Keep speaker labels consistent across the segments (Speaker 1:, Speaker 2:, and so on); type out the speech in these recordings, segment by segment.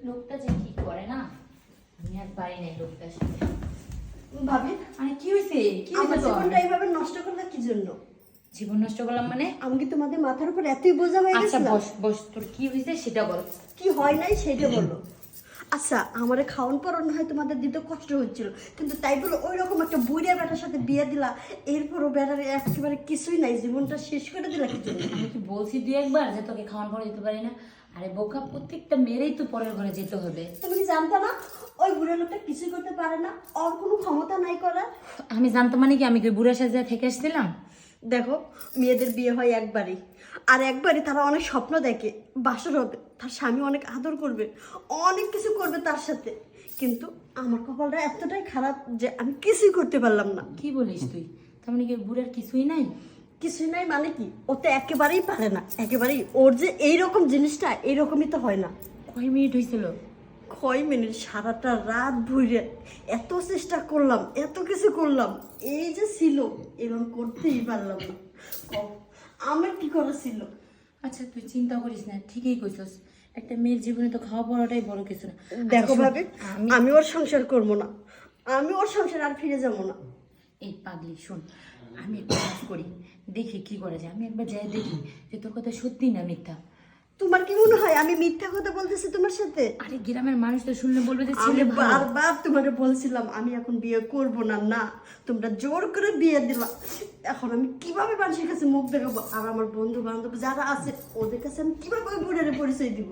Speaker 1: লোকটা যে কি করে না, আমি আর পারি নাই লোকটার সাথে।
Speaker 2: ভাবি
Speaker 1: আরে কি হয়েছে? কি
Speaker 2: আমার
Speaker 1: হয়েছে তোর?
Speaker 2: জীবনটা এইভাবে নষ্ট করলে কি জন্য?
Speaker 1: জীবন নষ্ট করলাম মানে?
Speaker 2: আমি কি তোমাদের মাথার উপর এতই বোঝা হয়ে
Speaker 1: আচ্ছা
Speaker 2: গেছিলাম?
Speaker 1: বস বস, তোর কি হয়েছে সেটা বল।
Speaker 2: কি হয় নাই সেটা বলো। আচ্ছা আমারে খাওয়ান পরানো হয় তোমাদের দিতে কষ্ট হচ্ছিল, কিন্তু তাই বলো ওই রকম একটা বুড়িয়া বেটার সাথে বিয়ে দিলা, এরপরও বেটার একেবারে কিছুই নাই, জীবনটা শেষ করে দিলা কি জন্য?
Speaker 1: আমি কি বলছি দুই একবার যে তোকে খাওয়ান পরে যেতে পারি না? আরে বোকা, প্রত্যেকটা মেয়েরই তো পরের ঘরে যেতে হবে।
Speaker 2: তুমি কি জানতা না ওই বুড়ো লোকটা কিছুই করতে পারে না, ওর কোনো ক্ষমতা নাই করার?
Speaker 1: আমি জানতাম মানে কি আমি কি বুড়া সাজা থেকে আসছিলাম?
Speaker 2: দেখো মেয়েদের বিয়ে হয় একবারই, আর একবারই তারা অনেক স্বপ্ন দেখে বাসর হবে, তার স্বামী অনেক আদর করবে, অনেক কিছু করবে তার সাথে, কিন্তু আমার কপালটা এতটাই খারাপ যে আমি কিছুই করতে পারলাম না।
Speaker 1: কি বলিস তুই? তার মানে কি বুড়ার কিছুই নাই?
Speaker 2: কিছুই নাই মানে কি, ও তো একেবারেই পারে না, একেবারেই ওর যে এইরকম জিনিসটা এইরকমই তো হয় না।
Speaker 1: কয় মিনিট হয়েছিল?
Speaker 2: কয় মিনিট, সারাটা রাত ভুইরে এত চেষ্টা করলাম, এত কিছু করলাম, এই যে ছিল এরকম করতেই পারলাম না। কও, আমার কি করা ছিল?
Speaker 1: আচ্ছা তুই চিন্তা করিস না, ঠিকই কইছস। একটা মেয়ের জীবনে তো খাওয়া পড়াটাই বড় কিছু না।
Speaker 2: দেখো
Speaker 1: আচ্ছা, শোন,
Speaker 2: ভাবে আমি ওর সংসার করবো না, আমি ওর সংসার আর ফিরে যাবো না।
Speaker 1: এই পাগলি শোন, আমি একটা কাজ করি, দেখি কি করা যায়। আমি একবার যাই দেখি যে তোর কথা সত্যি না মিথ্যা।
Speaker 2: তোমার কি মনে হয় আমি মিথ্যা কথা বলতেছি তোমার সাথে?
Speaker 1: আরে গ্রামের মানুষ তো শুনলে বলবে যে
Speaker 2: আমি
Speaker 1: ছেলে ভালো।
Speaker 2: বারবার তোমাকে বলছিলাম আমি এখন বিয়ে করব না, না তোমরা জোর করে বিয়ে দিলা। এখন আমি কিভাবে মানুষের কাছে মুখ দেখাবো, আর আমার বন্ধু বান্ধব যারা আছে ওদের কাছে আমি কিভাবে ওই বুড়ারে পরিচয় দিব?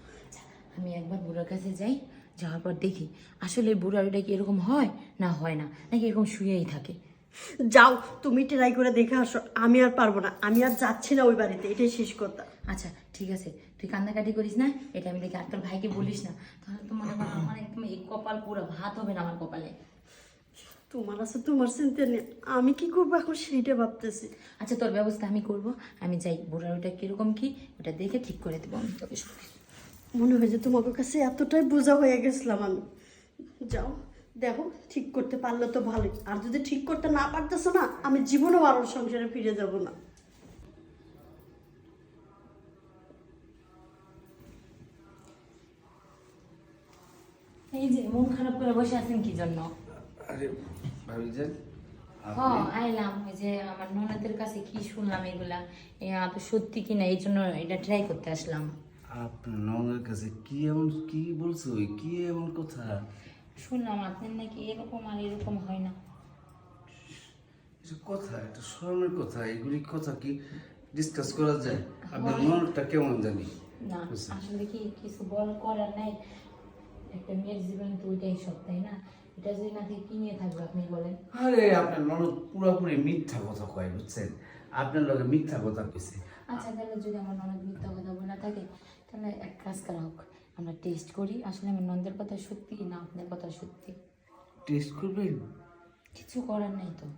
Speaker 1: আমি একবার বুড়ার কাছে যাই, যাওয়ার পর দেখি আসলে বুড়ার ওটা কি এরকম হয় না হয় না, নাকি এরকম শুয়েই থাকে।
Speaker 2: যাও তুমি ট্রাই করে দেখে আসো, আমি আর পারবো না, আমি আর যাচ্ছি না ওই বাড়িতে, এটাই শেষ কথা।
Speaker 1: আচ্ছা ঠিক আছে, তুই কান্নাকাটি করিস না, এটা আমি দেখি। আর তোর ভাইকে বলিস না, তাহলে তো মনে কর আমার একদম এই কপাল পুরো ভাত হবে না আমার কপালে।
Speaker 2: তোমার আছে তোমার চিন্তা নেই, আমি কি করবো এখন সেইটা ভাবতেছি।
Speaker 1: আচ্ছা তোর ব্যবস্থা আমি করব। আমি যাই, বুড়ার ওটা কিরকম কি ওটা দেখে ঠিক করে দেবো আমি তোকে সব কিছু।
Speaker 2: মনে হয় যে তোমাদের কাছে এতটাই বোঝা হয়ে গেছিলাম আমি। যাও দেখো ঠিক করতে পারলে তো ভালোই, আর যদি ঠিক করতে না পারতেছো না আমি জীবনেও আর ওর সংসারে ফিরে যাব না।
Speaker 1: এই যে মন খারাপ করে বসে আছেন কি জন্য?
Speaker 3: আরে ভাবিজান
Speaker 1: হ আইলাম, ওই যে আমার ননদের কাছে কি শুনলাম এগুলা, তো সত্যি কিনা এই জন্য এটা ট্রাই করতে আসলাম।
Speaker 3: আপনার ননের কাছে কি এমন কি বলছো, কি এমন কথা?
Speaker 1: শুনলাম আপনার নাকি এরকম আর এরকম হয় না।
Speaker 3: এটা কথা, এটা স্মরণের কথা, এগুলি কথা কি ডিসকাস করা যায়? আপনার ননটা কেমন জানি?
Speaker 1: না
Speaker 3: বুঝছি।
Speaker 1: আসলে কি কিছু বল করার নাই, একটা মেয়ের জীবন তো ওইটাই সব, তাই না? এটা যদি না থেকে কি নিয়ে থাকবে আপনি বলেন?
Speaker 3: আরে আপনার ননদ পুরোপুরি মিথ্যা কথা কয়, বুঝছেন? আপনার লগে মিথ্যা কথা কইছে।
Speaker 1: আচ্ছা তাহলে যদি আমার ননদ মিথ্যা কথা বলে থাকে, তাহলে এক কাজ করা হোক, আমরা টেস্ট করি আসলে আমার ননদের কথা সত্যি না আপনার কথা সত্যি।
Speaker 3: টেস্ট করবেন?
Speaker 1: কিছু করার নাই তো।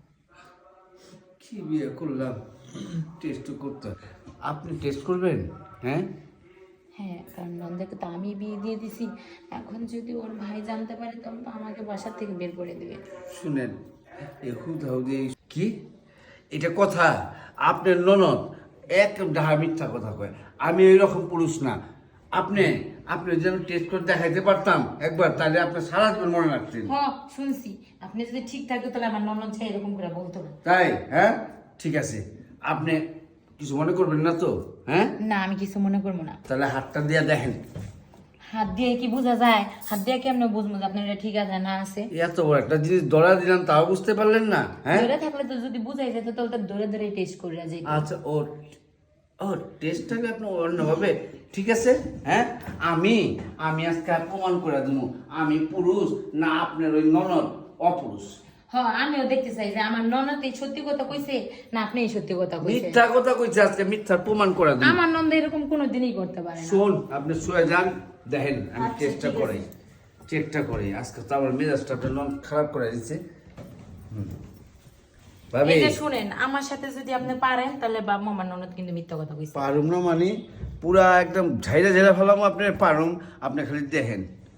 Speaker 3: কি বিয়ে করলাম, টেস্ট করতে হয়। আপনি টেস্ট করবেন? হ্যাঁ
Speaker 1: হ্যাঁ, কারণ নন্দাকে তো আমি বিয়ে দিয়ে দিছি, এখন যদি ওর ভাই জানতে পারে তখন তো আমাকে বাসা থেকে বের করে দেবে।
Speaker 3: শুনেন, হুদাহুদি কি এটা কথা? আপনার ননদ এক ডাহা মিথ্যা কথা কয়, আমি এইরকম পুরুষ না। আপনি আপনি যেন টেস্ট করে দেখাইতে পারতাম একবার, তাহলে আপনার সারা জীবন মনে রাখতেন।
Speaker 1: হ শুনছি, আপনি যদি ঠিক থাকতো তাহলে আমার ননদ চাই এরকম করে বলতো না।
Speaker 3: তাই? হ্যাঁ ঠিক আছে, আপনি কিছু মনে করবেন না তো? হ্যাঁ
Speaker 1: না আমি কিছু মনে করবো না।
Speaker 3: তাহলে হাতটা দিয়ে দেখেন।
Speaker 1: হাত দিয়ে কি বোঝা যায়? হাত দিয়ে কেমনে বুঝবো যে আপনার এটা ঠিক আছে না আছে?
Speaker 3: এত বড় একটা জিনিস ধরা দিলাম তাও বুঝতে পারলেন না? হ্যাঁ
Speaker 1: ধরে থাকলে তো যদি বুঝাই যেত তাহলে তো ধরে ধরে টেস্ট করে যাই।
Speaker 3: আচ্ছা ও ও টেস্টটাকে আপনি অন্যভাবে, ঠিক আছে। হ্যাঁ আমি আমি আজকে আর প্রমাণ করে দেবো আমি পুরুষ না আপনার ওই ননদ অপুরুষ।
Speaker 1: হ্যাঁ আমিও দেখতে চাই যে আমার ননদ এই সত্যি কথা কইছে না আপনি এই সত্যি কথা কইছে।
Speaker 3: মিথ্যা কথা কইছে, আজকে মিথ্যার প্রমাণ করে দেবো।
Speaker 1: আমার নন্দ এরকম কোনোদিনই করতে পারে না।
Speaker 3: শোন আপনি শুয়ে যান, দেখেন আমি
Speaker 1: আচ্ছা,
Speaker 3: চেষ্টা
Speaker 1: ঠিক আছে।
Speaker 3: করি, চেষ্টা করি। আজকে তো আমার মেজাজটা আপনার নন খারাপ করে দিচ্ছে। ভাবি
Speaker 1: এই যে শুনেন, আমার সাথে যদি আপনি পারেন তাহলে বাবা আমার ননদ কিন্তু মিথ্যা কথা কইছে।
Speaker 3: পারুম না মানে পুরা একদম ঝাইরা ঝাইরা ফেলাম আপনার, পারুম আপনি খালি দেখেন।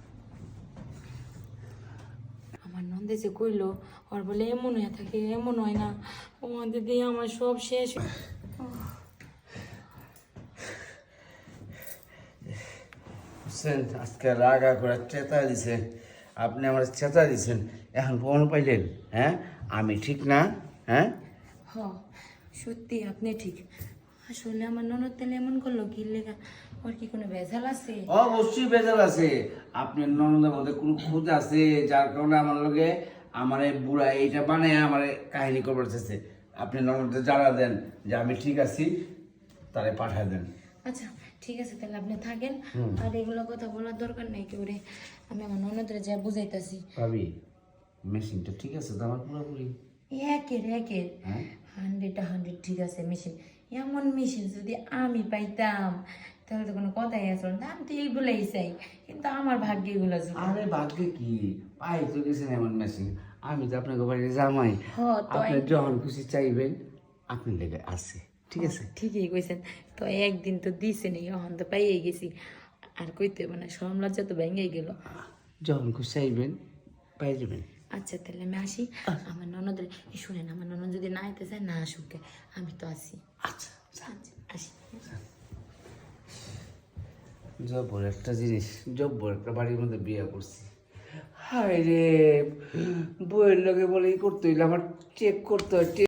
Speaker 1: আমার নন্দে যে কইলো ওর বলে এমন হয়ে থাকে, এমন হয় না, ও দিদি আমার সব শেষ।
Speaker 3: বুঝছেন আজকে রাগা করে চেতা দিছেন, আপনি আমার চেতা দিছেন, এখন ফোন পাইলেন? হ্যাঁ আমি ঠিক না? হ্যাঁ
Speaker 1: হ সত্যি আপনি ঠিক। আসলে আমার ননদ তাহলে এমন করলো কি লেগা? ওর কি কোনো ভেজাল আছে?
Speaker 3: অবশ্যই বেজাল আছে। আপনার ননদের মধ্যে কোনো খুঁজ আছে যার কারণে আমার লগে আমার এই বুড়া এইটা বানায় আমার কাহিনী করবার চাইছে। আপনি ননদে জানা দেন যে আমি ঠিক আছি, তারে পাঠায় দেন।
Speaker 1: আচ্ছা ঠিক আছে, তাহলে আপনি থাকেন। আর এগুলো কথা বলার দরকার নেই কেউ রে, আমি আমার ননদরে যা বুঝাইতাছি।
Speaker 3: ভাবি মেশিনটা ঠিক আছে তো আমার পুরোপুরি?
Speaker 1: একের
Speaker 3: হ্যাঁ
Speaker 1: 100 ঠিক আছে মেশিন। এমন মেশিন যদি আমি পাইতাম তাহলে তো কোনো কথাই আসলো না। আমি তো এইগুলাই চাই, কিন্তু আমার ভাগ্যে এগুলো জোগাড়।
Speaker 3: আরে ভাগ্যে কি পাই তো গেছেন এমন মেশিন। আমি তো আপনাকে বাড়িতে জামাই,
Speaker 1: তো
Speaker 3: আপনি যখন খুশি চাইবেন আপনার লেগে আছে, ঠিক আছে?
Speaker 1: ঠিকই কইছেন। তো একদিন তো দিছেন, এখন তো পাইয়ে গেছি, আর কইতে মানে শরম লজ্জা তো ভেঙেই গেল।
Speaker 3: যখন খুশি চাইবেন পাই যাবেন।
Speaker 1: আচ্ছা তাহলে আমি আসি। আমার ননদের শুনেন, আমার ননদ যদি না আইতে চায় না আসুক, আমি তো আসি।
Speaker 3: আচ্ছা
Speaker 1: আচ্ছা আসি।
Speaker 3: জব্বর একটা জিনিস, জব্বর একটা বাড়ির মধ্যে বিয়ে করছি। হায় রে, বইয়ের লগে বলে ই করতে হইলে আমার চেক করতে হয়।